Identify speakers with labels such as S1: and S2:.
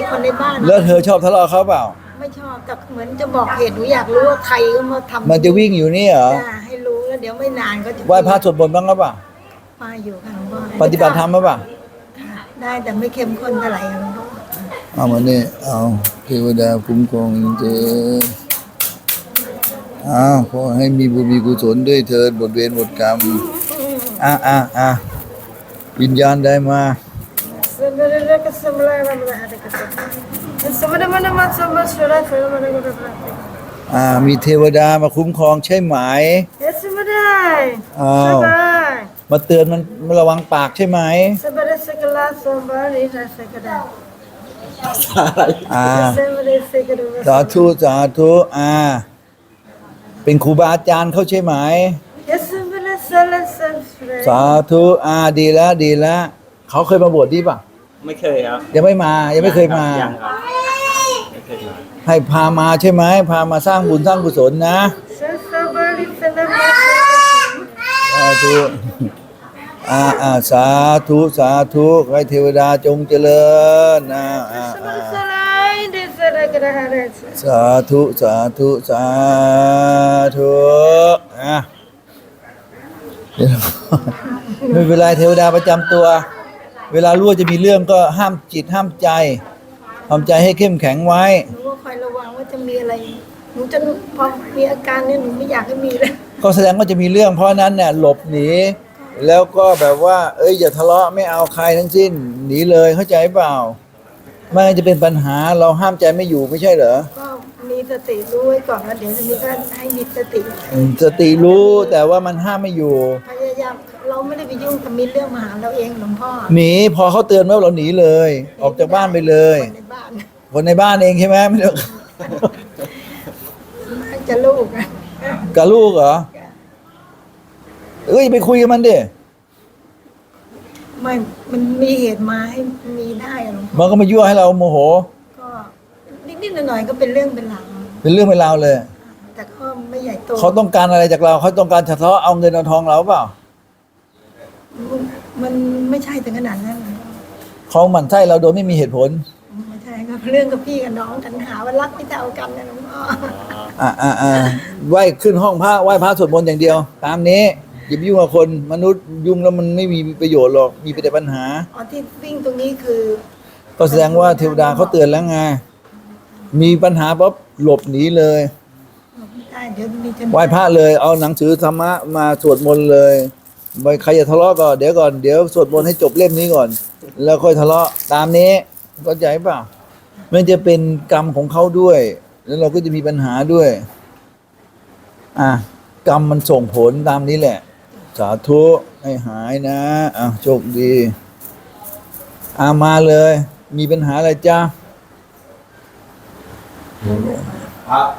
S1: คนในบ้าน
S2: แล้วเธอชอบทะเลาะเขาเปล่า
S1: ไม่ชอบแต่เหมือนจะบอกเหตุหนูอยากรู้ว่าใครก็มาทำ
S2: มันจะวิ่งอยู่นี่เหรอ
S1: ให้รู้แล้วเดี๋ยวไม่นานก็จะ
S2: ไหว้พระสวดมนต์บ้างหรือเปล่า
S1: มาอยู่ค่ะหลวงพ่อ
S2: ปฏิบัติธรรมหรือเปล่า
S1: ได้แต่ไม่เข้มข้นเท่าไหร่หลวงพ่อ
S2: เอามาเนี่ยเอาเทวดาคุ้มครองเธอขอให้มีบุญมีกุศลด้วยเถิดหมดเวรหมดกรรมวิญญาณได้มามีเทวดามาคุ้มครองใช่ไหมมาเตือนมันระวังปากใช่ไหมสาธุสาธุเป็นครูบาอาจารย์เขาใช่ไหมสาธุดีแล้วดีแล้วเขาเคยมาบวชดีป่ะ
S3: ไม่เคยครับ
S2: ยังไม่มายังไม่เคยมา
S3: ยังครับไม่เคยมา
S2: ให้พามาใช่ไหมพามาสร้างบุญสร้างกุศลนะสาธุสาธุสาธุให้เทวดาจงเจริญสาธุสาธุสาธุไม่เป็นไรเทวดาประจำตัวเวลารู้ว่าจะมีเรื่องก็ห้ามจิตห้ามใจทำใจให้เข้มแข็งไว้
S1: หนูก็คอยระวังว่าจะมีอะไรหนูจะพอมีอาการเนี่ยหนูไม่อยากให้มีเลย
S2: ก็แสดงว่าจะมีเรื่องเพราะนั้นเนี่ยหลบหนีแล้วก็แบบว่าอย่าทะเลาะไม่เอาใครทั้งสิ้นหนีเลยเข้าใจเปล่าไม่งั้นจะเป็นปัญหาเราห้ามใจไม่อยู่ไม่ใช่เหรอ
S1: ก็มีสติรู้ไว้ก่อนแล้วเดี๋ยวนี้ก็ให้มีส
S2: ติรู้แต่ว่ามันห้ามไม่อยู่
S1: พยายามเราไม่ได้ไปยุ่งกับมีเรื่องมาหาเราเองหลวงพ่อ
S2: หนีพอเขาเตือนว่าเราหนีเลยออกจากบ้านไปเลยคนในบ้านเองใช่ไหมไม่ต้อง
S1: จะลูก
S2: กับลูกเหรอไปคุยกับมันดิ
S1: ไม่มันมีเหตุมาให้มีได้หลวงพ่อ
S2: มันก็มายั่วให้เราโมโห
S1: ก็นิดๆหน่อยๆก็เป็นเรื่องเป็นราว
S2: เป็นเรื่องเป็นราวเลย
S1: แต่ก็ไม่ใหญ่โต
S2: เขาต้องการอะไรจากเราเขาต้องการทะเลาะเอาเงินเอาทองเราเปล่า
S1: มันไม่ใช่ถึงขนาดนั้น
S2: เขาหมั่นไส้เราโดยไม่มีเหตุผล
S1: ไม่ใช่ครับเรื่องกับพี่กับน้องกันหาว่ารักไม่เท่ากันนะหลวงพ่อ
S2: ไหว้ขึ้นห้องพระไหว้พระสวดมนต์อย่างเดียวตามนี้อย่าไปยุ่งกับคนมนุษย์ยุ่งแล้วมันไม่มีประโยชน์หรอกมีแต่ปัญหา
S1: ที่วิ่งตรงนี้คือ
S2: ก็แสดงว่าเทวดาเขาเตือนแล้วไงมีปัญหาปั๊บหลบหนีเลยไหว้พระเลยเอาหนังสือธรรมะมาสวดมนต์เลยใครจะทะเลาะก็เดี๋ยวสวดมนต์ให้จบเล่มนี้ก่อนแล้วค่อยทะเลาะตามนี้เข้าใจเปล่ามันจะเป็นกรรมของเขาด้วยแล้วเราก็จะมีปัญหาด้วยกรรมมันส่งผลตามนี้แหละสาธุให้หายนะโชคดีมาเลยมีปัญหาอะไรจ้า
S3: พระ